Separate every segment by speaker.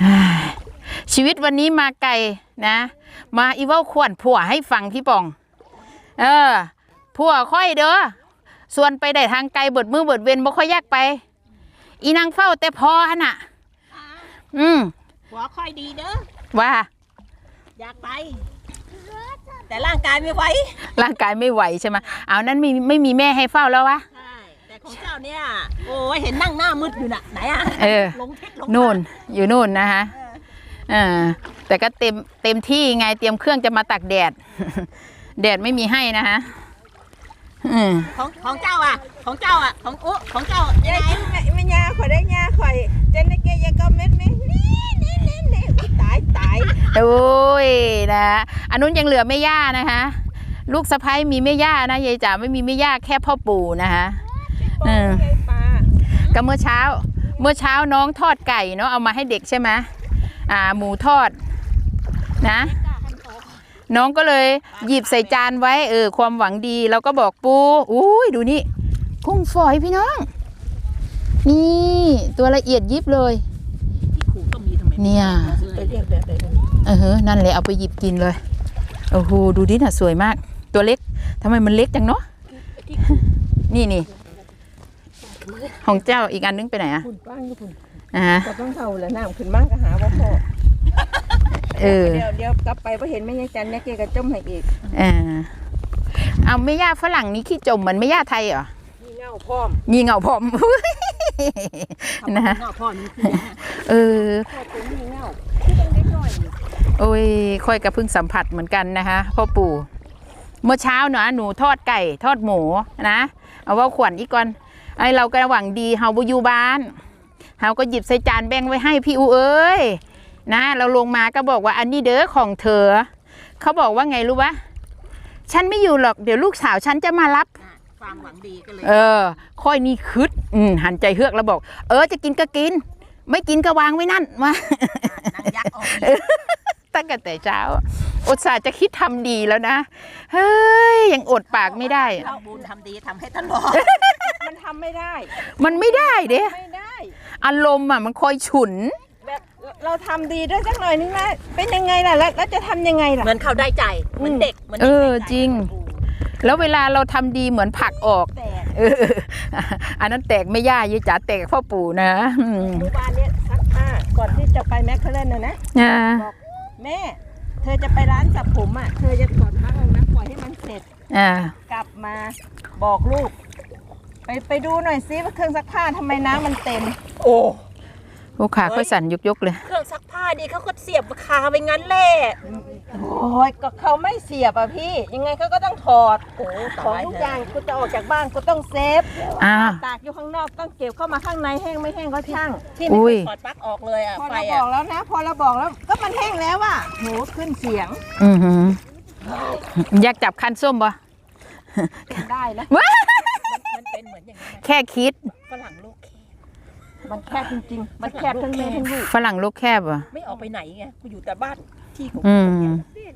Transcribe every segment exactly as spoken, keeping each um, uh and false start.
Speaker 1: ชีวิตวันนี้มาไกลนะมาอีเว้าขวัญผัวให้ฟังพี่ปองเออผัวค่อยเด้อส่วนไปได้ทางไกลเบิดมือเบิดเว้นบ่ค่อยยากไปอีนางเฝ้าแต่พอน่ะอืม
Speaker 2: ผัวค่อยดีเด้อ
Speaker 1: ว่า
Speaker 2: อยากไปแต่ร่างกายไม่ไหว
Speaker 1: ร่างกายไม่ไหวใช่ไหมเอานั้นไม่ไม่มีแม่ให้เฝ้าแล้ววะ
Speaker 2: ใช่แต่ของเจ้าเนี่ยโอ้ยเห็นนั่งหน้ามืดอยู่น่ะไหนอ่ะ
Speaker 1: เออนู่นอยู่นู่นนะคะเออแต่ก็เต็มเต็มที่ไงเตรียมเครื่องจะมาตักแดดแดดไม่มีให้นะคะ
Speaker 2: ของของเจ้าอ่ะของเจ้าอ่ะของอุ๊ของเจ้า
Speaker 3: ยังไงไม่ยาข่อยได้ยาข่อยเจนในเกยก็เม็ดนี่นี่นี่นี่นี่ตายตาย
Speaker 1: โอ้ยนะอันนู้นยังเหลือแม่ย่านะคะลูกสะใภ้มีแม่ย่านะยายจ๋าไม่มีแม่ย่าแค่พ่อปู่นะคะเออก็เมื่อเช้าเมื่อเช้าน้องทอดไก่เนาะเอามาให้เด็กใช่ไหมอ่าหมูทอดนะน้องก็เลยหยิบใส่จานไว้เออความหวังดีแล้วก็บอกปูอุ้ยดูนี่กุ้งฝอยพี่น้องนี่ตัวละเอียดยิบเลยเนี่ยเออเฮ้นั่นเลยเอาไปหยิบกินเลยโอ้โหดูดิน่ะสวยมากตัวเล็กทำไมมันเล็กจังเนาะนี่นี่ของเจ้าอีกอันนึงไปไหนอะ
Speaker 3: คุณป้างก็คุณ
Speaker 1: อ่า
Speaker 3: ก็ต้องเท่าแล้วน้ำขึ้นมากก็หาว่าพ่อเออเดี๋ยวเดี๋ยวกลับไปพอเห็นไม่ยายจันเนี่ยเกก็จมให้อีก
Speaker 1: อ่าเอาไม่ย่าฝรั่งนี้ขี้จมเหมือนไม่ย่าไทยเหรอ
Speaker 3: มีเงาพร้อม
Speaker 1: มีเงาพร้อมนะ
Speaker 2: เงาพร้อม
Speaker 1: เออ
Speaker 3: มีเงาที่ต้องเล็กหน่อย
Speaker 1: โอ้ยค่อยกับพึ่งสัมผัสเหมือนกันนะคะพ่อปู่เมื่อเช้าเนาะหนูทอดไก่ทอดหมูนะเอาว่าขวัญอีกก่อนไอเราก็หวังดีเฮาบุยูบ้านเฮาก็หยิบใส่จานแบ่งไว้ให้พี่อูเอ้ยนะเราลงมาก็บอกว่าอันนี้เด้อของเธอเขาบอกว่าไงรู้ปะฉันไม่อยู่หรอกเดี๋ยวลูกสาวฉันจะมารับ
Speaker 2: ความหวังดีก็เลย
Speaker 1: เออค่อยนี่คืดอืมหันใจเฮือกแล้วบอกเออจะกินก็กินไม่กินก็วางไว้นั่นมาตั้งแต่เช้าอุตส่าห์จะคิดทำดีแล้วนะเฮ้ยยังอดปากไม่ได้
Speaker 2: เราบุญทำดีทำให้ตลอด
Speaker 3: มันทำไม่ได้
Speaker 1: มันไม่ได้เด้
Speaker 3: ไม่ได้
Speaker 1: อารมณ์อ่ะมันคอยฉุน
Speaker 3: แบบเราทำดีด้วยสักหน่อยนึงนะเป็นยังไงล่ะแล้วจะทำยังไงล่ะ
Speaker 2: เหมือนเขาได้ใจเหมือนเด็ก
Speaker 1: เออจริงแล้วเวลาเราทำดีเหมือนผักออกเอออันนั้นแตกไม่ย่ายายจ๋าแตกพ่อปู่นะ
Speaker 3: เมื่อวานเนี้ยซักผ้าก่อนที่จะไปแมคเคเลนนะนะบอกแม่เธอจะไปร้านสับผมอ่ะเธอจะถอดผ้าออกนะปล่อยให้มันเสร็จกลับมาบอกลูกไปไปดูหน่อยซิว่าเครื่องซักผ้าทำไมน้ำมันเต็ม
Speaker 2: โอ้
Speaker 1: ลูกขาค่อยสั่นยกๆเลย
Speaker 2: เครื่องซักผ้าดีเขาก็เสียบคาไปงั้นแหละ
Speaker 3: โอ้ยก็เขาไม่เสียบอ่ะพี่ยังไงเขาก็ต้องถอดโอ้ของทุกอย่างกูจะออกจากบ้านกูต้องเซฟตากอยู่ข้างนอกต้องเก็บเข้ามาข้างในแห้งไม่แห้งก็ช่าง
Speaker 2: ที่ไม่ถอดปลั๊กออกเลยอ่ะ
Speaker 3: พอเราบอกแล้วนะพอเราบอกแล้วก็มันแห้งแล้วอ่ะโหขึ้นเสียง
Speaker 1: อือหืออยากจับคันส้มปะ
Speaker 3: ได้นะ
Speaker 2: มันเป็นเหมือนอย่างนี้
Speaker 1: แค่คิด
Speaker 2: ฝรั่งลูก
Speaker 3: มันแคบจริงๆมันแคบทั้งแม่ทั้งลูก
Speaker 1: ฝรั่งลูกแคบอ่ะ
Speaker 2: ไม่ออกไปไหนไงกูอยู่แต่บ้านที่ของ
Speaker 1: อืม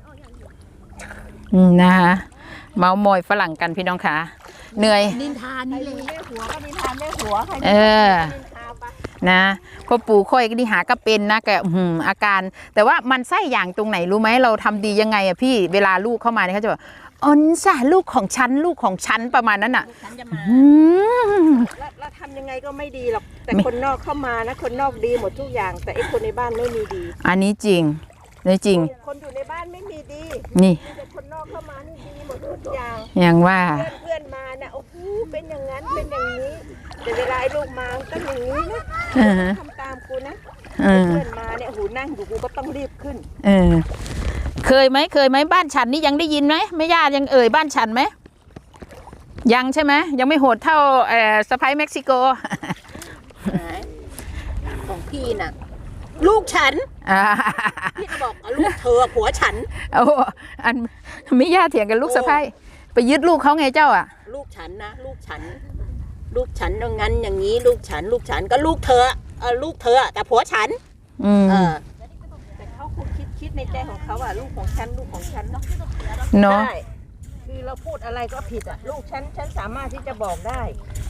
Speaker 1: นะคะเมามอยฝรั่งกันพี่น้องค่ะเหนื่อย
Speaker 2: นินทานี่เลย
Speaker 3: แม่หัวก็นินทาแม่หัวใคร
Speaker 1: เออนะพ่อปู่ค่อยก็ดีหาก็เป็นนะแกอืมอาการแต่ว่ามันไส้อย่างตรงไหนรู้ไหมเราทำดียังไงอะพี่เวลาลูกเข้ามาเนี่ยเขาจะบอกอ๋อจ้ะลูกของฉันลูกของฉันประมาณนั้นอ่ะ
Speaker 3: เราทำยังไงก็ไม่ดีหรอกแต่คนนอกเข้ามานะคนนอกดีหมดทุกอย่างแต่ไอ้คนในบ้านไม่มีดี
Speaker 1: อันนี้จริงนี่จริง
Speaker 3: คนอยู่ในบ้านไม่มีดี
Speaker 1: นี่
Speaker 3: แต่คนนอกเข้ามานี่ดีหมดทุกอย่าง
Speaker 1: อย่างว่า
Speaker 3: เพื่อนมาเนี่ยโอ้โหเป็นอย่างนั้นเป็นอย่างนี้แต่เวลาไอ้ลูกมาต้องอย่างนี้นะทำตามกูนะเพื่อนมาเนี่ยโอ้โหนั่งอยู่กูก็ต้องรีบขึ้น
Speaker 1: เออเคยไหมเคยไหมบ้านฉันนี่ยังได้ยินไหมไม่ญาติยังเอ่ยบ้านฉันไหมยังใช่ไหมยังไม่โหดเท่าเอ่อสะพ้ายเม็กซิโก
Speaker 2: ของพี่น่ะลูกฉันพี่ก็บอกลูกเธอผัวฉัน
Speaker 1: โอ้อันไม่ญาติเถียงกันลูกสะพ้ายไปยึดลูกเขาไงเจ้าอ่ะ
Speaker 2: ลูกฉันนะลูกฉันลูกฉันอย่างนั้นอย่างนี้ลูกฉันลูกฉันก็ลูกเธอเออลูกเธอแต่ผัวฉันเออ
Speaker 3: คิดคิดในใจของเขาอ่ะลูกของฉันลูกของฉันเนาะ
Speaker 1: เนาะ
Speaker 3: คือเราพูดอะไรก็ผิดอ่ะลูกฉันฉันสามารถที่จะบอกได้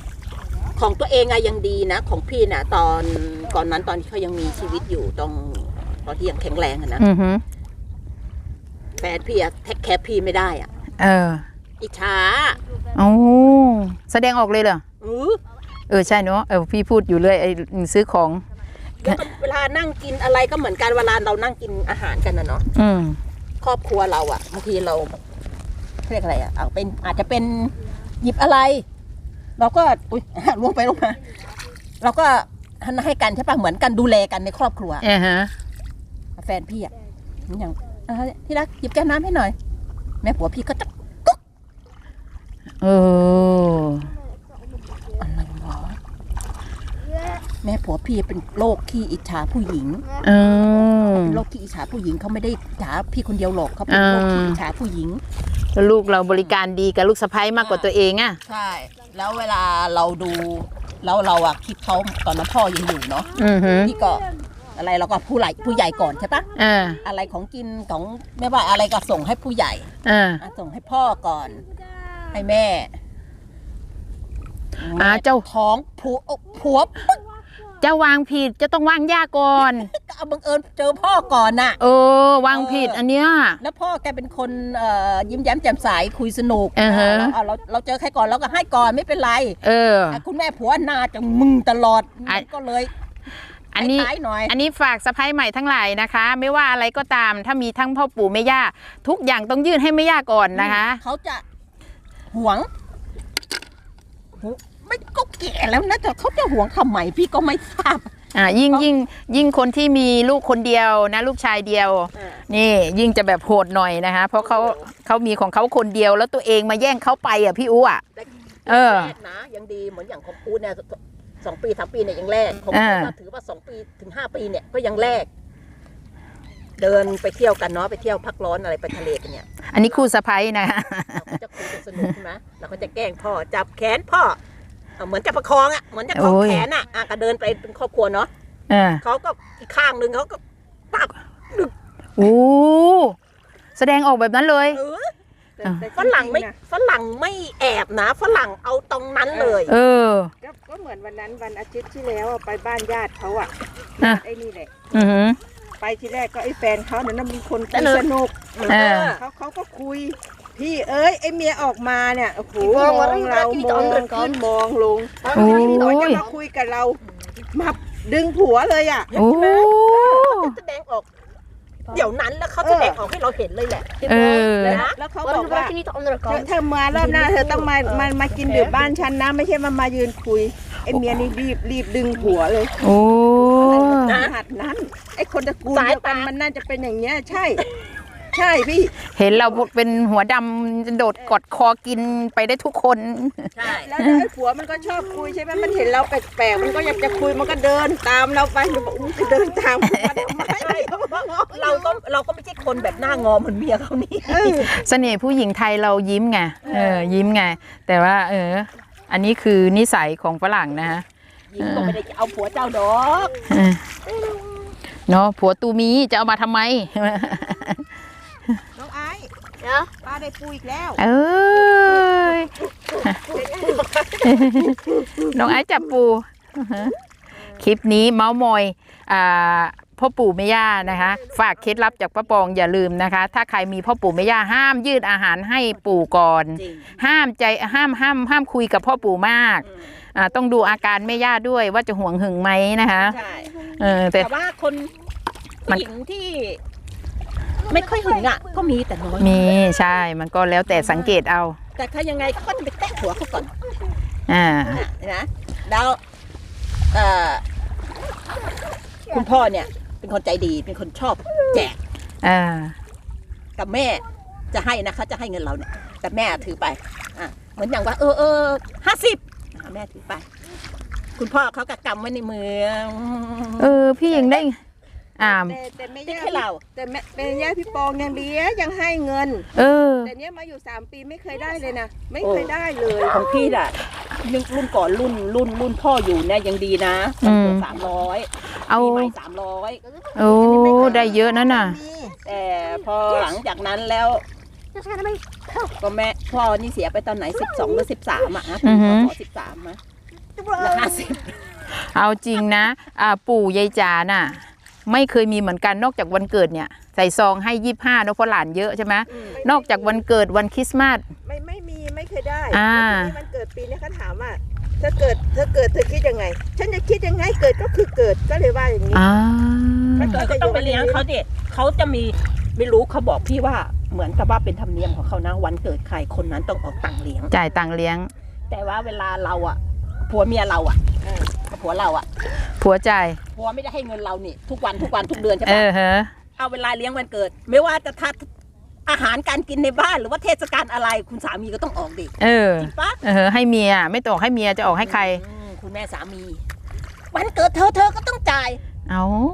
Speaker 2: ของตัวเองอะยังดีนะของพี่น่ะตอนก่อนนั้นตอนที่เขายังมีชีวิตอยู่ตรงตอนที่ยังแข็งแรงอะนะ
Speaker 1: อือฮึ
Speaker 2: แฟนพี่อะแท็กแคร์พี่ไม่ได้อะ
Speaker 1: เออ
Speaker 2: อิจฉา
Speaker 1: โอ้แสดงออกเลยเหรอ
Speaker 2: เออ
Speaker 1: เออใช่เนาะเออพี่พูดอยู่เลยไอ้ซื้อของ
Speaker 2: แล้วก็เวลานั่งกินอะไรก็เหมือนกันเวลาเรานั่งกินอาหารกันนะเนาะ
Speaker 1: อืม
Speaker 2: ครอบครัวเราอะบางทีเราเรียกอะไรอะเอาเป็นอาจจะเป็นหยิบอะไร เราก็อุ้ย ลงไปลงมาเราก็ให้กันใช่ปะเหมือนกันดูแลกันในครอบครัว
Speaker 1: อ่าฮะ
Speaker 2: แฟนพี่อะอย่างอ่าที่รักหยิบแก้วน้ำให้หน่อย แม่ผัวพี่ก็จะกุ๊ก
Speaker 1: เออ
Speaker 2: อะไรวะแม่ผัวพี่เป็นโรคขี้อิจฉาผู้หญิง
Speaker 1: เออ
Speaker 2: เป็นโรคขี้อิจฉาผู้หญิงเขาไม่ได้อิจฉาพี่คนเดียวหรอกเขาเป็นโรคขี้อิจฉาผู้หญิง
Speaker 1: แล้วลูกเราบริการดีกับลูกสะใภ้มากกว่าตัวเองอ่ะ
Speaker 2: ใช่ แล้วเวลาเราดูแล้วเราอะคิดเขาตอนนั้นพ่อยังอยู่เนาะ
Speaker 1: อือฮึ
Speaker 2: พี่ก็อะไรเราก็ผู้ใหญ่ผู้ใหญ่ก่อนใช่ปะ
Speaker 1: อ่า
Speaker 2: อะไรของกินของไม่ว่าอะไรก็ส่งให้ผู้ใหญ่
Speaker 1: อ่า
Speaker 2: อ่ะส่งให้พ่อก่อน ให้แม่
Speaker 1: อ่าเจ้า
Speaker 2: ท้องผัวผัวปึ๊ก
Speaker 1: จะวางผิดจะต้องวางยาก่อน
Speaker 2: ก็เอาบังเอิญเจอพ่อก่อนน่ะ
Speaker 1: เออ วางผิดอันเนี้ย
Speaker 2: แล้วพ่อแกเป็นคนเอ่อยิ้มแย้มแจ่มใสคุยสนุก
Speaker 1: อ่าฮะ
Speaker 2: เราเราเราเจอใครก่อนเราก็ให้ก่อนไม่เป็นไร
Speaker 1: เออ
Speaker 2: อ่ะคุณแม่ผัวหนาจะมึงตลอด
Speaker 1: อ่ะ
Speaker 2: ก็เลย
Speaker 1: อันนี้
Speaker 2: ท้ายๆหน่อย
Speaker 1: อันนี้ฝากสะใภ้ใหม่ทั้งหลายนะคะ ไม่ว่าอะไรก็ตาม ถ้ามีทั้งพ่อปู่แม่ย่าทุกอย่างต้องยื่นให้แม่ย่าก่อนนะคะ
Speaker 2: เขาจะหวงหูไม่ก็แก่แล้วนะแต่เขาจะหวงทำไมพี่ก็ไม่ทราบ
Speaker 1: อ่ายิ่งยิ่งยิ่งคนที่มีลูกคนเดียวนะลูกชายเดียว นี่ยิ่งจะแบบโหดหน่อยนะคะ เพราะเขาเขามีของเขาคนเดียวแล้วตัวเองมาแย่งเขาไปอ่ะพี่อู้อ่ะ เออ
Speaker 2: แรกนะยังดีเหมือนอย่างของปูเนี่ยสองปีสามปีเนี่ยยังแรกของ
Speaker 1: อ่า
Speaker 2: ปูก็ถือว่าสองปีถึงห้าปีเนี่ยก็ยังแรก เดินไปเที่ยวกันเนาะไปเที่ยวพักร้อนอะไรไปทะเลกันเนี่ย
Speaker 1: อันนี้คู่สะใภ้นะคะ
Speaker 2: เราก็จะคุยกันสนุกใช่ไหมเราก็จะแกล้งพ่อจับแขนพ่อเอาเหมือนจะประคองอ่ะเหมือนจะคล้อง
Speaker 1: โอ้ย
Speaker 2: แขนอ่ะอ่ะก็เดินไปเป็นครอบครัวเนาะ
Speaker 1: อ่า
Speaker 2: เขาก็อีกข้างหนึ่งเขาก็ปับ
Speaker 1: โอ้แสดงออกแบบนั้นเลย
Speaker 2: เออ
Speaker 3: แต่
Speaker 1: อ่ะ
Speaker 3: แต่
Speaker 2: ฝรั่งไม่
Speaker 3: จริๆนะ
Speaker 2: ฝรั่งไม่แอบนะฝรั่งเอาตรงนั้นเลย
Speaker 1: เออ
Speaker 3: ก็ก็เหมือนวันนั้นวันอาทิตย์ที่แล้วอะไปบ้านญาติเขาอ่ะ
Speaker 1: อ่ะ
Speaker 3: ไอ้นี่แหละ
Speaker 1: อือหือ
Speaker 3: ไปทีแรกก็ไอ้แฟนเขาเนี่ยนะมีคนคุยสนุก
Speaker 1: เออ
Speaker 3: เขาเขาก็คุย พี่เอ้ยไอ้เมียออกมาเนี่ยโอ้โห
Speaker 2: มอง
Speaker 3: ม
Speaker 2: ว่า
Speaker 3: องเรา
Speaker 2: ที่
Speaker 3: ม
Speaker 2: จะ
Speaker 3: อง
Speaker 2: เอาเงินก่อน
Speaker 3: ขึ้นมองลง
Speaker 1: โอ้ย
Speaker 3: เขาจะมาคุยกับเรามาดึงผัวเลยอ่ะ
Speaker 1: โอ้
Speaker 2: แสดงออก เดี๋ยวนั้นแล้วเขาแสดงออกให้เราเห็นเลยแหละ
Speaker 1: เออ
Speaker 2: นะ
Speaker 3: แล้วเขาบอกว่าเธอเธอมารอบหน้าเธอต้องมามามากินดื่มบ้านฉันนะไม่ใช่มามายืนคุยไอ้เมียนี่รีบรีบดึงผัวเลย
Speaker 1: โอ้
Speaker 3: ขนาดนั้นไอ้คนตระกูลเดียวกันมันน่าจะเป็นอย่างเงี้ยใช่ ใช่พี่
Speaker 1: เห็นเราเป็นหัวดำโดดกอดคอกินไปได้ทุกคน
Speaker 2: ใช่
Speaker 3: แล้วไอ้ผัวมันก็ชอบคุยใช่ไหมมันเห็นเราแปลกๆมันก็อยากจะคุยมันก็เดินตามเราไปมันบอกอุ้ยจะเดินตามผัวทำไม
Speaker 2: เราก็เราก็ไม่ใช่คนแบบหน้างอเหมือนเมียเขานี่
Speaker 1: เสน่ห์ผู้หญิงไทยเรายิ้มไง เออ ยิ้มไง แต่ว่า เออ อันนี้คือนิสัยของฝรั่งนะฮะ
Speaker 2: ยิงก็ไม่ได้จะเอาผัวเจ้าดอก
Speaker 1: เออเนาะผัวตูมีจะเอามาทำไม
Speaker 3: น้องไอ้
Speaker 2: เนาะ
Speaker 3: ป้าได้ปูอีกแล้ว
Speaker 1: เอ้ย น้องไอ้จับปู คลิปนี้เมาส์มอยอ่าพ่อปู่แม่ย่านะคะ ฝากเคล็ดลับจากป้าปองอย่าลืมนะคะ ถ้าใครมีพ่อปู่แม่ย่าห้ามยืดอาหารให้ปู่ก่อน
Speaker 2: จริง
Speaker 1: ห้ามใจห้ามห้ามห้ามคุยกับพ่อปู่มาก
Speaker 2: อืม
Speaker 1: อ่าต้องดูอาการแม่ย่าด้วยว่าจะห่วงหึงไหมนะคะ
Speaker 2: ใช่
Speaker 1: เออแต่
Speaker 2: แต่ว่าคน
Speaker 1: มั
Speaker 2: ผู้
Speaker 1: น
Speaker 2: หญิงที่ ไม่ค่อยหึงอ่ะ ก็มีแต่น้อย
Speaker 1: มีใช่มันก็แล้วแต่สังเกตเอา
Speaker 2: แต่ถ้ายังไงเขาก็จะไปแตะหัวเขาก่อน
Speaker 1: อ่า
Speaker 2: นะแล้วเอ่อคุณพ่อเนี่ย เป็นคนใจดีเป็นคนชอบแจก
Speaker 1: อ่า
Speaker 2: กับแม่จะให้นะเขาจะให้เงินเราเนี่ยแต่แม่ถือไปอ่ะเหมือนอย่างว่า เออเออห้าสิบแม่ถือไป คุณพ่อเขาก็กำไว้ในมือ
Speaker 1: เออพี่ยังได้อ่า
Speaker 3: แต่แต่ไม่
Speaker 2: ติ๊ก
Speaker 3: ย่า
Speaker 2: ให้เรา
Speaker 3: แต่แม่เป็นย่าพี่ปองยังดีอะยังให้เงิน
Speaker 1: เออ
Speaker 3: แต่เนี้ยมาอยู่สามปีไม่เคยได้เลยนะไม่เคยได้เลย
Speaker 2: ของพี่น่ะรุ่นรุ่นก่อนรุ่นรุ่นรุ่นพ่ออยู่เนี่ยยังดีนะ
Speaker 1: อืม
Speaker 2: สามร้อย
Speaker 1: เอา
Speaker 2: ปีใหม่สามร้อย
Speaker 1: โอ้ได้เยอะนั่นน่ะ
Speaker 2: แต่พอหลังจากนั้นแล้ว ก็แม่พ่อนี่เสียไปตอนไหนสิบสองหรือสิบสามอ่ะนะ
Speaker 1: อือฮึ
Speaker 2: พอสิบสามอะแล้วห้าสิบ
Speaker 1: เอาจริงนะอ่าปู่ยายจ๋าน่ะไม่เคยมีเหมือนกันนอกจากวันเกิดเนี่ยใส่ซองให้ยี่สิบห้าเนอะเพราะหลานเยอะใช่ไหมนอกจากวันเกิดวันคริสต์มาส
Speaker 3: ไม่ไม่มีไม่เคยได้
Speaker 1: อ่า
Speaker 3: แล้วทีนี้มันเกิดปีนี้เขาถามว่าเธอเกิดเธอเกิดเธอคิดยังไง ฉันจะคิดยังไงเกิดก็คือเกิดก็เลยว่าอย่างนี้
Speaker 1: อ่า
Speaker 2: มันก็ต้องไปเลี้ยงเขาเด็ดเขาจะมีไม่รู้เขาบอกพี่ว่าเหมือนกับว่าเป็นธรรมเนียมของเขานะวันเกิดใครคนนั้นต้องออกตังค์เลี้ยง
Speaker 1: จ่ายตังค์เลี้ยง
Speaker 2: แต่ว่าเวลาเราอ่ะผัวเมียเราอ่ะ
Speaker 3: เออ
Speaker 2: ผัวเราอ่ะ
Speaker 1: ผัวจ่าย
Speaker 2: ผัวไม่ได้ให้เงินเรานี่ทุกวันทุกวันทุกเดือนใช่
Speaker 1: เอ
Speaker 2: ปะ
Speaker 1: อฮะ
Speaker 2: เอาเวลาเลี้ยงวันเกิด ไม่ว่าจะทัดอาหารการกินในบ้านหรือว่าเทศกาลอะไรคุณสามีก็ต้องออกดิ
Speaker 1: เออ
Speaker 2: จริงปะ
Speaker 1: เออให้เมียไม่ต้องให้เมียจะออกให้ใคร
Speaker 2: อืมคุณแม่สามี วันเกิดเธอเธอก็ต้องจ่าย
Speaker 1: เอา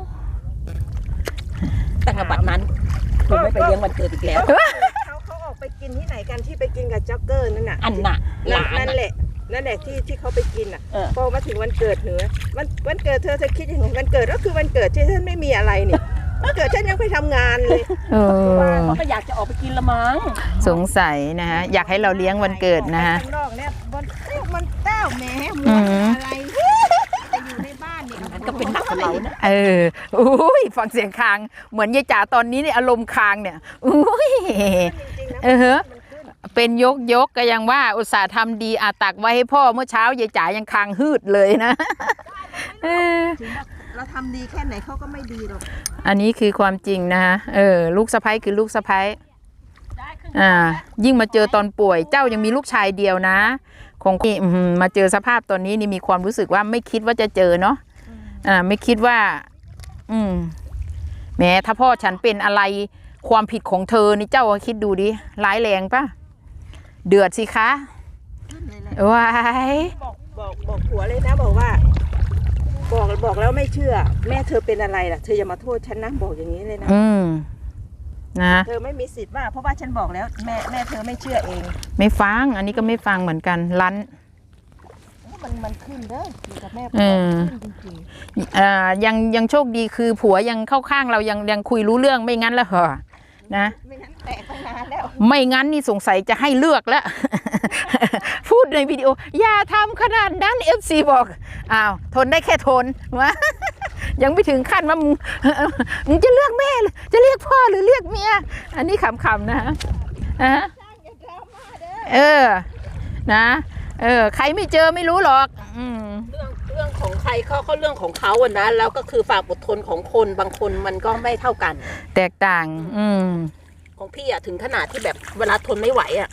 Speaker 2: ตั้งแต่บัดนั้นคุณไม่ไปเลี้ยงวันเกิดอีกแล้ว
Speaker 3: เขาเขาออกไปกินที่ไหนกันที่ไปกินกับจ็อกเกอร์นั่นน่ะ
Speaker 2: อันน่ะห
Speaker 3: นั่น
Speaker 2: ลาน
Speaker 3: นั่น
Speaker 2: น่ะ
Speaker 3: แหละนั่นแหละที่ที่เขาไปกินอ่ะ
Speaker 2: เออ
Speaker 3: พอมาถึงวันเกิดเหนือวันวันเกิดเธอเธอคิดยังไงวันเกิดก็คือวันเกิดที่ฉันไม่มีอะไรนี่วันเกิดฉันยังไปทำงานเลย
Speaker 1: เออ
Speaker 2: เขาก็อยากจะออกไปกินละมั้ง
Speaker 1: สงสัยนะฮะอยากให้เราเลี้ยงวันเกิดนะฮะ
Speaker 3: ข้างนอกเนี่ยมันมันแต้วแหม
Speaker 1: อื
Speaker 3: มัน
Speaker 1: ม
Speaker 3: อะไรแต่อยู่ในบ้านนี่
Speaker 2: มันก็เป็นหนักกับเรานะ
Speaker 1: เอออุ้ยฟังเสียงคางเหมือนยายจ๋าตอนนี้เนี่ยอารมณ์คางเนี่ยอุ้ย
Speaker 3: จริงๆนะ
Speaker 1: เออฮะ
Speaker 3: มันขึ้น
Speaker 1: เป็นยกยกก็ยังว่าอุตส่าห์ทำดีอาตักไว้ให้พ่อเมื่อเช้ายายจ๋ายังคางฮืดเลยนะเออ
Speaker 3: ถึงว่าเราทำดีแค่ไหนเขาก็ไม่ดีหรอก
Speaker 1: อันนี้คือความจริงนะฮะเออลูกสะใภ้คือลูกสะใภ้อ่ายิ่งมาเจอตอนป่วยเจ้ายังมีลูกชายเดียวนะคงอื้อหือมาเจอสภาพตอนนี้นี่มีความรู้สึกว่าไม่คิดว่าจะเจอเนาะอ่าไม่คิดว่า อืมแหม้ถ้าพ่อฉันเป็นอะไรความผิดของเธอนี่เจ้าคิดดูดิร้ายแรงปะเดือดสิคะ
Speaker 3: ขึ้นเลยแหละ
Speaker 1: ว้าย
Speaker 3: บอกบอกบอกผัวเลยนะบอกว่า บอกบอกแล้วไม่เชื่อ แม่เธอเป็นอะไรล่ะเธออย่ามาโทษฉันนะบอกอย่างนี้เลยนะ
Speaker 1: อืมนะ
Speaker 3: เธอไม่มีสิทธิ์ว่าเพราะว่าฉันบอกแล้วแม่แม่เธอไม่เชื่อเอง
Speaker 1: ไม่ฟัง อันนี้ก็ไม่ฟังเหมือนกันลั้น
Speaker 3: มันมันขึ้นเด้ออยู่กับแม่
Speaker 1: เออ
Speaker 3: ขึ้นจริง
Speaker 1: อ่ายังยังโชคดีคือผัวยังเข้าข้างเรายังยังคุยรู้เรื่องไม่งั้นแล้วเหรอนะ
Speaker 3: ๆไม่งั้นแตกตั้งนานแล้ว
Speaker 1: ไม่งั้นนี่สงสัยจะให้เลือกแล้ว พูดในวิดีโอ อย่าทำขนาดนั้น เอฟ ซี บอกอ้าวทนได้แค่ทนวะ ยังไม่ถึงขั้นว่ามึง มึงจะเลือกแม่หรือจะเรียกพ่อหรือเรียกเมียอันนี้ขำๆนะฮะอ่ะเออนะเออใครไม่เจอไม่รู้หรอก อืม
Speaker 2: เรื่องเรื่องของใครเขาเขาเรื่องของเขาอะนะแล้วก็คือฝากอดทนของคนบางคนมันก็ไม่เท่ากัน
Speaker 1: แตกต่าง อืม
Speaker 2: ของพี่อะถึงขนาดที่แบบเวลาทนไม่ไหวอะ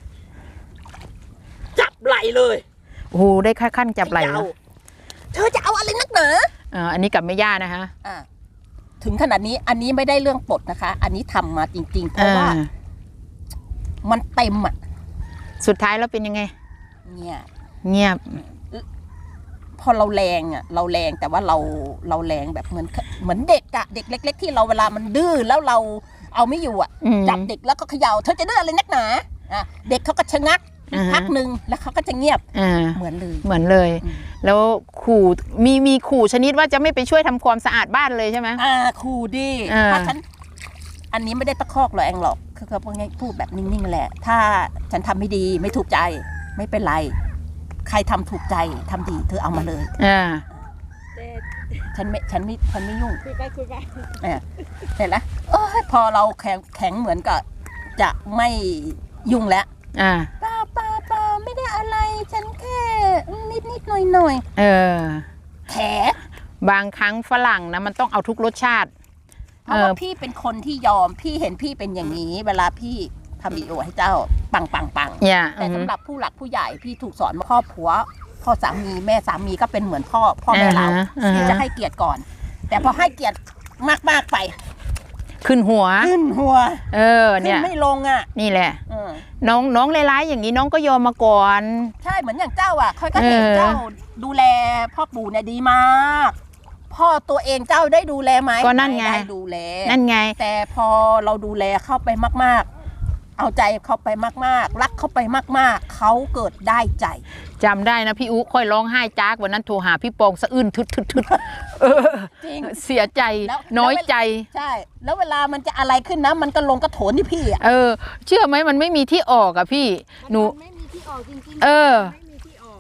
Speaker 2: จับไหลเลย
Speaker 1: โอ้โหได้ค่าขั้นจับไหล่
Speaker 2: เข
Speaker 1: เหร
Speaker 2: ย่า
Speaker 1: อ
Speaker 2: เธอจะเอาอะไรนักหนา
Speaker 1: เอออันนี้กับแม่ย่านะฮะ
Speaker 2: อ่ะถึงขนาดนี้อันนี้ไม่ได้เรื่องปลดนะคะ อันนี้ทำมาจริง ๆ เพราะว่า
Speaker 1: อ่า
Speaker 2: มันเต็มอะ
Speaker 1: สุดท้ายแล้วเป็นยังไง
Speaker 2: เนี่ย
Speaker 1: เงียบ
Speaker 2: พอเราแรงอะเราแรงแต่ว่าเราเราแรงแบบเหมือนเหมือนเด็กอะเด็กเล็ก ๆ ที่เราเวลามันดื้อแล้วเราเอาไม่อยู่อะ
Speaker 1: อืม
Speaker 2: จับเด็กแล้วก็เขย่าเธอจะดื้ออะไรนักหนาอ่ะเด็กเขาก็ชะงัก
Speaker 1: อ่าฮะ
Speaker 2: พักหนึ่งแล้วเขาก็จะเงียบ
Speaker 1: อ่า
Speaker 2: เหมือนเลย
Speaker 1: เหมือนเลย
Speaker 2: อืม
Speaker 1: แล้วขู่มีมีขู่ชนิดว่าจะไม่ไปช่วยทำความสะอาดบ้านเลยใช่ไหม
Speaker 2: อ่าครูดี
Speaker 1: อ่า
Speaker 2: ถ้าฉัน อันนี้ไม่ได้ตะคอกหรอกแองหรอกคือเขาพูดง่ายพูดแบบนิ่งๆแหละ ถ้าฉันทำไม่ดีไม่ถูกใจ ไม่เป็นไร ใครทำถูกใจทำดีเธอเอามาเลย
Speaker 1: อ่า
Speaker 3: แต่
Speaker 2: ฉันไม่ฉันไม่ฉันไม่ยุ่ง
Speaker 3: คุยไปคุยไป
Speaker 2: เนี่ยเห็นแล้วโอ้ยพอเราแข็งแข็งเหมือนกับจะไม่ยุ่งแล้ว
Speaker 1: อ่า
Speaker 2: ป้าป้าป้าไม่ได้อะไร ฉันแค่นิดนิดหน่อยหน่อย
Speaker 1: เออ
Speaker 2: แถ
Speaker 1: บางครั้งฝรั่งนะมันต้องเอาทุกรสชาติ
Speaker 2: เพราะว่าพี่เป็นคนที่ยอมพี่เห็นพี่เป็นอย่างนี้ เวลาพี่ทำวิดีโอให้เจ้าปังปังปัง
Speaker 1: อย่า
Speaker 2: แต่สำหรับผู้หลักผู้ใหญ่พี่ถูกสอนมาครอบครัวพ่อสามีแม่สามีก็เป็นเหมือนพ่อพ่อแม่เรา
Speaker 1: อ่าฮะ
Speaker 2: ที่จะให้เกียรติก่อน แต่พอให้เกียรติมากๆไป
Speaker 1: ขึ้นหัว
Speaker 2: ขึ้นหัว
Speaker 1: เออ
Speaker 2: ขึ้
Speaker 1: เนี่
Speaker 2: น
Speaker 1: ย
Speaker 2: ไม่ลงอ่ะ
Speaker 1: นี่แหละ
Speaker 2: เออ
Speaker 1: น้องน้องร้ายๆอย่างนี้น้องก็ยอมมาก่อน
Speaker 2: ใช่เหมือนอย่างเจ้าอ่ะค่อยก็เห็น
Speaker 1: เออ
Speaker 2: เจ้าดูแลพ่อปู่เนี่ยดีมาก พ่อตัวเองเจ้าได้ดูแลไหม
Speaker 1: ก็นั่นไง
Speaker 2: ม่ได้ดูแล
Speaker 1: นั่นไง
Speaker 2: แต่พอเราดูแลเข้าไปมากๆ เอาใจเขาไปมากๆ รักเขาไปมากๆ เขาเกิดได้ใจ
Speaker 1: จำได้นะพี่อุ๊ค่อยร้องไห้จากวันนั้นโทรหาพี่ปองสะอื้นทึดทึดทึดเออ
Speaker 2: จริง
Speaker 1: เสียใจ
Speaker 2: แล้ว
Speaker 1: น้อยใจ
Speaker 2: ใช่ แล้วเวลามันจะอะไรขึ้นนะ มันก็ลงกระโถนที่พี่อ่ะ
Speaker 1: เออ เชื่อไหมมันไม่มีที่ออกอะพี่หนู
Speaker 3: มันไม่มีที่ออกจริงๆ
Speaker 1: เออ
Speaker 3: ไม่มีที่ออกอ่ะ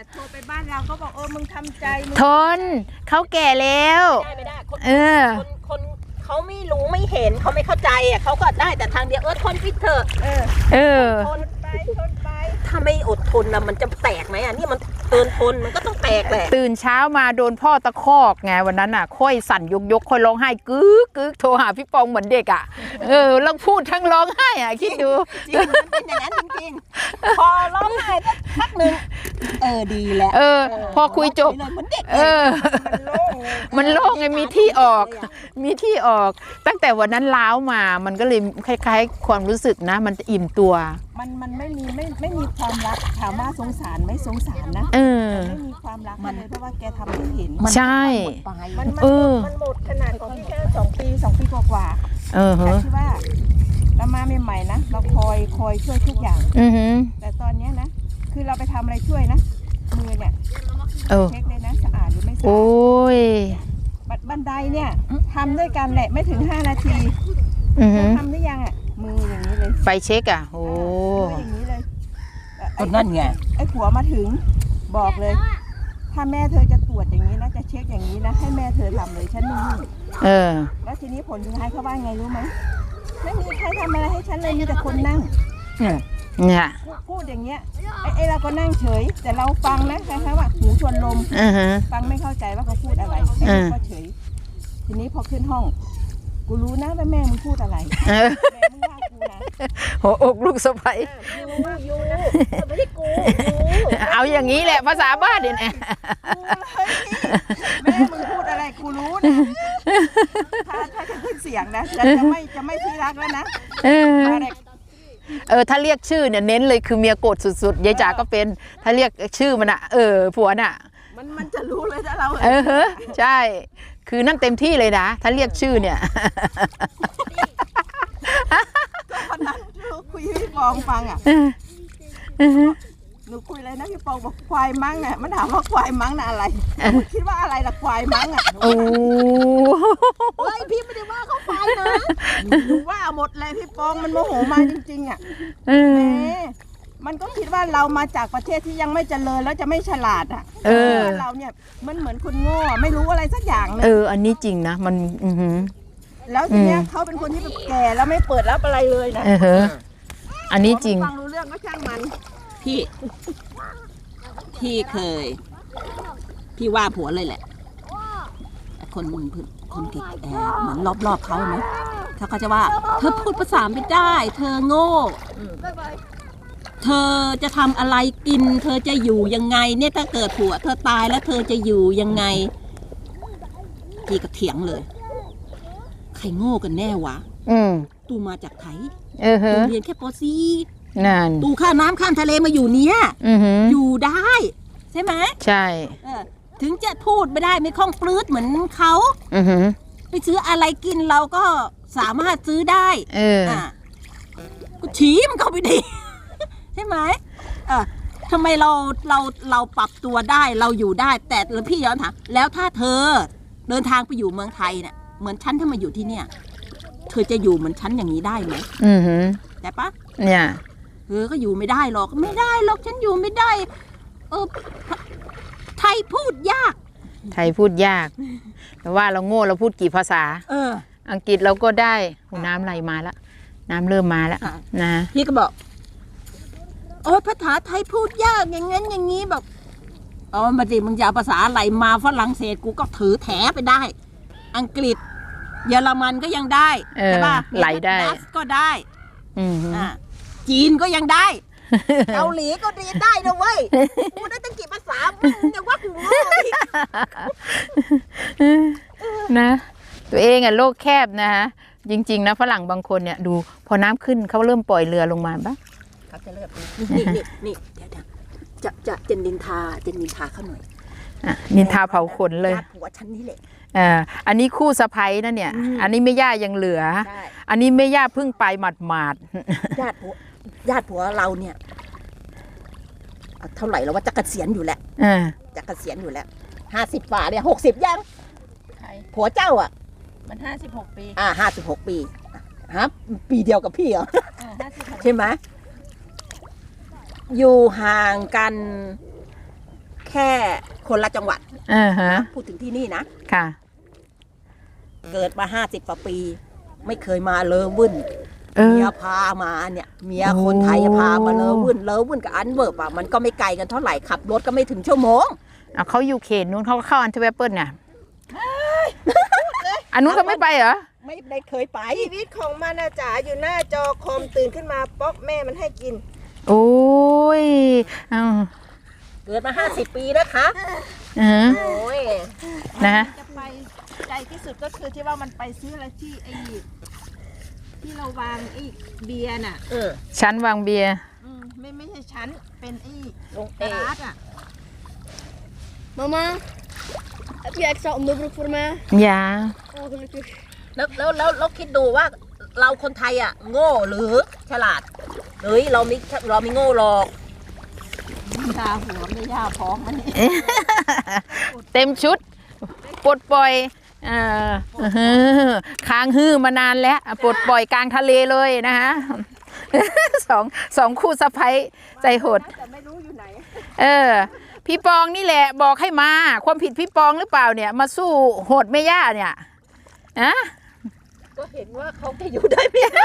Speaker 3: โทรไปบ้านเราก็บอกเออมึงทำใจมึง
Speaker 1: ทนเขาแก่แล้ว
Speaker 2: ได้ไม่ได้คน
Speaker 1: เออ
Speaker 2: คนคนเขาไม่รู้ไม่เห็นเขาไม่เข้าใจอ่ะเขาก็ได้แต่ทางเดียวเออทนพิเถอะ
Speaker 3: เออ
Speaker 1: เออ
Speaker 2: ทน
Speaker 3: ไปทนไป
Speaker 2: ถ้าไม่อดทนนะมันจะแตกไหมอ่ะนี่มันเกินทนมันก็ต้องแตกแหละ
Speaker 1: ตื่นเช้ามาโดนพ่อตะคอกไงวันนั้นอ่ะ ค่อยสั่นยกยกค่อยร้องไห้กึ๊กกึ๊กโทรหาพี่ปองเหมือนเด็กอ่ะ เออแล้วพูดทั้งร้องไห้อ่ะ คิดดู
Speaker 2: จริงมันเป็นอย่างนั้นจริงๆพอร้องไห้สักพักหนึ่งเออดีแล้ว
Speaker 1: เออ พอคุยจบ
Speaker 2: เหมือนเด็ก
Speaker 1: เออ
Speaker 3: มันโล่งเลย
Speaker 1: มันโล่งไงมีที่ออก มีที่ออก ตั้งแต่วันนั้นล้าวมามันก็เลยคล้ายๆ ความรู้สึกนะ มันอิ่มตัว
Speaker 3: มันมันไม่มีไม่ไม่มีความรักถามว่าสงสารไหม่สงสารนะ
Speaker 1: เออ
Speaker 3: ไม่มีความรักมันเลยเพราะว่าแกทำให้เห็น
Speaker 1: ใช่
Speaker 2: ไป
Speaker 3: มันมัน
Speaker 1: เออ
Speaker 3: มันหมดขนาดของพี่แค่สองปีสองปีกว่า
Speaker 1: เออ
Speaker 3: ๆแต่
Speaker 1: ฮะ
Speaker 3: ที่ว่าเรามาใหม่ๆนะเราคอยคอยช่วยทุกอย่าง
Speaker 1: อือหือ
Speaker 3: แต่ตอนเนี้ยนะคือเราไปทำอะไรช่วยนะมือเนี่ย
Speaker 1: เออ
Speaker 3: เช็คเลยนะสะอาดหรือไม่สะ
Speaker 1: โอ้
Speaker 3: อาด
Speaker 1: ย
Speaker 3: บัดบันไดเนี่ยทำด้วยกันแหละไม่ถึงห้านาที
Speaker 1: อือ
Speaker 3: เธ
Speaker 1: หื
Speaker 3: อ
Speaker 1: อ
Speaker 3: ทำได้ยังอ่ะมืออย่างนี้เลย
Speaker 1: ไปเช็คอ่ะ โอ้
Speaker 3: มืออย่างนี้เลยเอ่อ
Speaker 2: ก็
Speaker 3: ไอ้
Speaker 2: นั่นไง
Speaker 3: ไอ้ผัวมาถึงบอกเลย ถ้าแม่เธอจะตรวจอย่างนี้นะจะเช็คอย่างนี้นะให้แม่เธอทำเลยฉันไม่ยุ่ง
Speaker 1: เออ
Speaker 3: แล้วทีนี้ผลสุดท้ายเขาว่าไงรู้ไหมไม่มีใครทำอะไรให้ฉันเลยมีแต่คนนั่ง
Speaker 1: เนี่ย
Speaker 3: พูดพูดอย่างเงี้ยไอ้ไอ้เราก็นั่งเฉย แต่เราฟังนะคล้ายๆว่าหูชวนลม
Speaker 1: อือฮะ
Speaker 3: ฟังไม่เข้าใจว่าเขาพูดอะไรไอ้
Speaker 1: อ่า
Speaker 3: นี่ก็เฉย ทีนี้พอขึ้นห้อง กูรู้นะว่าแม่มึงพูดอะไร
Speaker 1: เออ
Speaker 3: แม่มึงว่ากูนะ
Speaker 1: หัวอกลูกสะใภ้
Speaker 2: ยูยูไม่ได้กูยู
Speaker 1: เอาอย่างนี้แหละภาษาบ้านเดี๋ยวนี้
Speaker 3: กูเลยแม่มึงพูดอะไรกูรู้นะถ้าถ้าจะขึ้นเสียงนะจะจะไม่จะไม่ที่รักแล้วนะ
Speaker 1: เออ
Speaker 3: มาเลย
Speaker 1: เออถ้าเรียกชื่อเนี่ยเน้นเลยคือเมียโกรธสุดๆยายจ๋าก็เป็น ถ้าเรียกชื่อมันอะเออผัวน่ะ
Speaker 3: มันมันจะรู้เลยถ้าเรา
Speaker 1: เออเฮ้อใช่ คือนั่นเต็มที่เลยนะ ถ้าเรียกชื่อเนี่ย
Speaker 3: วันนั้นหนูคุยให้พี่ปองฟังอ่ะ
Speaker 1: เออ
Speaker 3: หนูคุยเลยนะพี่ปองบอกควายมั้งอ่ะมันถามว่าควายมั้งน่ะอะไรหนูคิดว่าอะไรล่ะควายมั้งอ่ะ
Speaker 1: โอ้
Speaker 2: เฮ้ยพี่ไม่ได้ว่าเขาไปนะ
Speaker 3: หนูว่าหมดเลยพี่ปองมันโมโหมาจริงๆอ่ะ
Speaker 1: เอ
Speaker 3: แห
Speaker 1: อ
Speaker 3: มมันก็คิดว่าเรามาจากประเทศที่ยังไม่เจริญแล้วจะไม่ฉลาดอ่ะ
Speaker 1: เออ
Speaker 3: ว่าเราเนี่ยมันเหมือนคนโง่อะไม่รู้อะไรสักอย่างเล
Speaker 1: เอย อ อันนี้จริงนะ มัน อือหือ
Speaker 3: แล้วทีเนี้ย
Speaker 1: อืม
Speaker 3: เขาเป็นคนที่แบบแก่แล้วไม่เปิดรับอะไรเลยนะ
Speaker 1: เออเฮ้ออันนี้จริง
Speaker 3: ฟังรู้เรื่องก็ช่างมัน
Speaker 2: พี่พี่เคย พี่ว่าผัวเลยแหละคนคนเก่งแอเหมือนรอบๆเขาไหมเขาก็จะว่า เธอพูดภาษาไม่ได้ เธอโง่เธอจะทำอะไรกิน เธอจะอยู่ยังไง เนี่ยถ้าเกิดผัวเธอตายแล้วเธอจะอยู่ยังไงพี่ก็เถียงเลย ใครโง่กันแน่วะ
Speaker 1: อืม
Speaker 2: ตูมาจากไทย
Speaker 1: เออเฮ้
Speaker 2: ตู
Speaker 1: อ
Speaker 2: เรียนแค่ปอซี
Speaker 1: นั่น
Speaker 2: ตูข้ามน้ำข้ามทะเลมาอยู่เนี้ย
Speaker 1: อือหือ
Speaker 2: อยู่ได้ ใช่ไหม
Speaker 1: ใช่
Speaker 2: เออถึงจะพูดไม่ได้ไม่คล่องปลื้ดเหมือนเขา
Speaker 1: อือหือ
Speaker 2: ไปซื้ออะไรกินเราก็สามารถซื้อได้
Speaker 1: เออ
Speaker 2: อ่ะก็ชี้มันเข้าไปดี ใช่ไหมเออทำไมเราเราเราปรับตัวได้เราอยู่ได้ แต่แล้วพี่ย้อนถามแล้วถ้าเธอเดินทางไปอยู่เมืองไทยเนี่ยเหมือนฉันถ้ามาอยู่ที่เนี่ย เธอจะอยู่เหมือนฉันอย่างนี้ได้ไหม
Speaker 1: อือหือ
Speaker 2: แต่ปะ
Speaker 1: เนี่ย
Speaker 2: เออก็อยู่ไม่ได้หรอกไม่ได้หรอกฉันอยู่ไม่ได้ เออไทยพูดยาก
Speaker 1: ไทยพูดยาก แต่ว่าเราโง่เราพูดกี่ภาษา
Speaker 2: เออ
Speaker 1: อังกฤษเราก็ได้โอ้น้ำไหลมาแล้ว น้ำเริ่มมาแล้ว
Speaker 2: ค่ะ
Speaker 1: นะ
Speaker 2: พี่ก็บอกโอ้ยภาษาไทยพูดยากอย่างงั้นอย่างนี้แบบอ๋อมาดิมึงจะเอาภาษาอะไรมาฝรั่งเศสกูก็ถือแถไปได้ อังกฤษ เยอรมันก็ยังได้
Speaker 1: เออ
Speaker 2: ใช่ป่ะ
Speaker 1: ไหลได้
Speaker 2: ดัชก็ได้
Speaker 1: อือหือ
Speaker 2: อ่าจีนก็ยังได้ เกาหลีก็เรียนได้นะเว้ยกูได้ตั้งกี่ภาษามึงยังว่ากูโง่อีก
Speaker 1: นะ ตัวเองอ่ะโลกแคบนะฮะ จริง ๆ นะฝรั่งบางคนเนี่ยดูพอน้ำขึ้นเขาเริ่มปล่อยเรือลงมาปะ
Speaker 2: เขาจะเลิกนี่นี่นี่เดี๋ยวๆจะจะจะนินทาจะนินทาเขาหน่อย
Speaker 1: อ่ะนินทาเผาขนเลย
Speaker 2: ญาติผัวฉันนี่แหละ
Speaker 1: อ่าอันนี้คู่สะใภ้นะเนี่ย
Speaker 2: อืม
Speaker 1: อันนี้แม่ย่ายังเหลือ
Speaker 2: ใช่
Speaker 1: อันนี้แม่ย่าเพิ่งไปหมาด
Speaker 2: ญาติผัวญาติผัวเราเนี่ยเอาเท่าไหร่แล้วว่าจะเกษียณอยู่แล้ว
Speaker 1: ๆอ่า
Speaker 2: จะเกษียณอยู่แล้วห้าสิบฝ่าเนี่ยหกสิบยัง
Speaker 3: ใคร
Speaker 2: ผัวเจ้าอ่ะ
Speaker 3: มันห้าสิบหกปี
Speaker 2: อ่าห้าสิบหกปีฮะปีเดียวกับพี่เหรอ
Speaker 3: ห้าสิบหก
Speaker 2: ใช่ไหมอยู่ห่างกันแค่คนละจังหวัด
Speaker 1: อ่าฮะ
Speaker 2: พูดถึงที่นี่นะ
Speaker 1: ค่ะ
Speaker 2: เกิดมาห้าสิบกว่าปี ไม่เคยมาเลยวุ่น
Speaker 1: เออ
Speaker 2: เมียพามาเนี่ยเมียคนไทยพามาเลยวุ่นเลยวุ่นกับอันเวิร์บอ่ะมันก็ไม่ไกลกันเท่าไหร่ขับรถก็ไม่ถึงชั่วโมง
Speaker 1: เอาเขาอยู่เขตนู้นเขาก็เข้าอันเทอร์เวเปิลเนี่ยอันนู้นเขาไม่ไปเหรอ
Speaker 2: ไม่ได้เคยไป
Speaker 3: ชีวิตของมันนะจ๋าอยู่หน้าจอคอมตื่นขึ้นมาป๊อกแม่มันให้กิน
Speaker 1: โอ้ยเอา
Speaker 2: เกิดมาห้าสิบปีนะคะ
Speaker 1: เออ
Speaker 2: โอ้ย
Speaker 1: นะ
Speaker 3: จะไปไกลที่สุดก็คือที่ว่ามันไปซื้ออะไรที่ไอ้ที่เราวางไอ้เบียร์น่ะ
Speaker 2: เออ
Speaker 1: ชั้นวางเบียร์
Speaker 3: อืมไม่ไม่ใช่ชั้นเป็นไอ้
Speaker 2: ลง
Speaker 3: ก
Speaker 2: เอ
Speaker 3: ระดาษอ่ะ
Speaker 4: Mama, heb je extra onderbroek voor mij?
Speaker 1: ยา
Speaker 4: Oh, gelukkig.
Speaker 2: แล้วแล้วแล้วแล้วคิดดูว่าเราคนไทยอ่ะ โง่หรือฉลาดเฮ้ยเราไม่เราไม่โง่หรอก
Speaker 3: ตาหัวไม่ย่าพร้อมมันนี่
Speaker 1: เต็มชุดปลดปล่อยเอออื้อหือค้างฮื้อมานานแล้วปลดปล่อยกลางทะเลเลยนะคะ สองสองคู่สะใภ้ใจโหด
Speaker 3: แต่ไม่รู้อยู่ไหน
Speaker 1: เออ พี่ปองนี่แหละบอกให้มา ความผิดพี่ปองหรือเปล่าเนี่ย มาสู้โหดแม่ย่าเนี่ยอะ
Speaker 2: ก็เห็นว่าเขาจะอยู่ได้ไม่ได้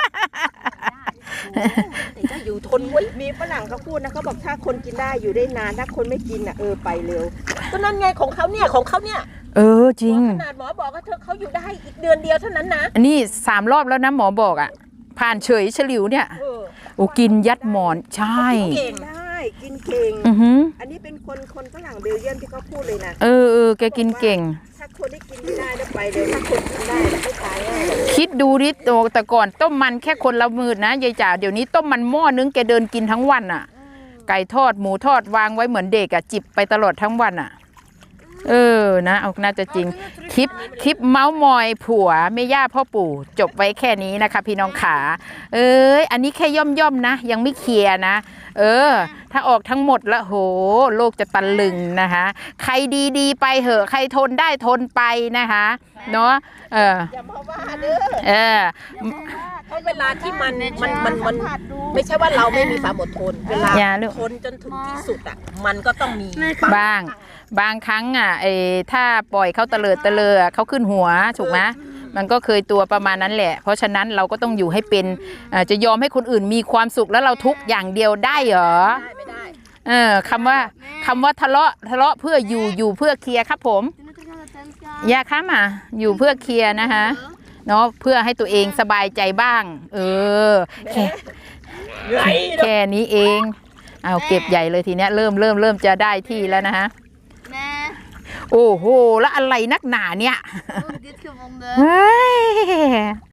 Speaker 2: แต่จะอยู่ทนไว้
Speaker 3: มีฝรั่งเขาพูดนะเขาบอกถ้าคนกินได้อยู่ได้นานถ้าคนไม่กินอ่ะเออไปเร็ว
Speaker 2: ก็นั่นไงของเขาเนี่ยของเขาเนี่ย
Speaker 1: เออจริง
Speaker 2: ขนาดหมอบอกว่าเธอเขาอยู่ได้อีกเดือนเดียวเท่านั้นนะ
Speaker 1: อันนี้สามรอบแล้วนะหมอบอกอ่ะ ผ่านเฉยฉลิวเนี่ย
Speaker 2: เออ
Speaker 1: โอ้กินยัดหมอนใช่
Speaker 2: เก่ง
Speaker 3: ได้กินเก่ง
Speaker 1: อือหือ
Speaker 3: อันนี้เป็นคนคนฝรั่งเบลเยียมที่เขาพูดเลยนะ
Speaker 1: เออเออแกกินเก่ง
Speaker 3: ถ้าคนที่กินไม่ได้แล้วไปเร็วถ้าคนกินได้แล้วไม่ตายง่ายหรอก
Speaker 1: คิดดูดิโตแต่ก่อนต้มมันแค่คนละมือนะยายจ๋าเดี๋ยวนี้ต้มมันหม้อนึงแกเดินกินทั้งวันอ่ะ ไก่ทอดหมูทอดวางไว้เหมือนเด็กอ่ะจิบไปตลอดทั้งวันอ่ะ เออนะเอาน่าจะจริงคลิปคลิปเมาส์มอยผัวแม่ย่าพ่อปู่จบไว้แค่นี้นะคะพี่น้องขาเอ้ยอันนี้แค่ย่อมย่อมๆนะ ยังไม่เคลียร์นะ เออ ถ้าออกทั้งหมดแล้วโหโลกจะตะลึงนะคะ ใครดีๆไปเหอะใครทนได้ทนไปนะคะเนาะเออ
Speaker 3: อย่ามาว่าเด้อ
Speaker 1: เออ
Speaker 2: เพราะเวลาที่มันมันมันมัน
Speaker 3: สัผัสดู
Speaker 2: ไม่ใช่ว่าเราไม่มีความอดทน เวลา
Speaker 1: อย่าลูก
Speaker 2: ทนจนถึงที่สุดอ่ะ มันก็ต้องมี
Speaker 1: บ้างบางครั้งอ่ะเออถ้าปล่อยเขาเตลิดเตลิดเขาขึ้นหัวถูกไหมมันก็เคยตัวประมาณนั้นแหละ เพราะฉะนั้นเราก็ต้องอยู่ให้เป็นอ่าจะยอมให้คนอื่นมีความสุขแล้วเราทุกข์อย่างเดียวได้เหรอ
Speaker 2: ได้ไม่ได้
Speaker 1: เออคำว่าคำว่าทะเลาะทะเลาะเพื่ออยู่อยู่เพื่อเคลียร์ครับผม
Speaker 4: Toen het er aan de tent gaan.
Speaker 1: ยาค้ามาอยู่เพื่อเคลียร์นะคะเนาะเพื่อให้ตัวเองสบายใจบ้าง เออแค่
Speaker 2: เหนื่อย
Speaker 1: แค่นี้เองเอาเก็บใหญ่เลยทีเนี้ยเริ่มเริ่มเริ่มจะได้ที่แล้วนะคะ
Speaker 4: Nee,
Speaker 1: โอ้โหแล้วอะไรนักหนาเนี่ย
Speaker 4: ook dit gevonden.
Speaker 1: เฮ้ย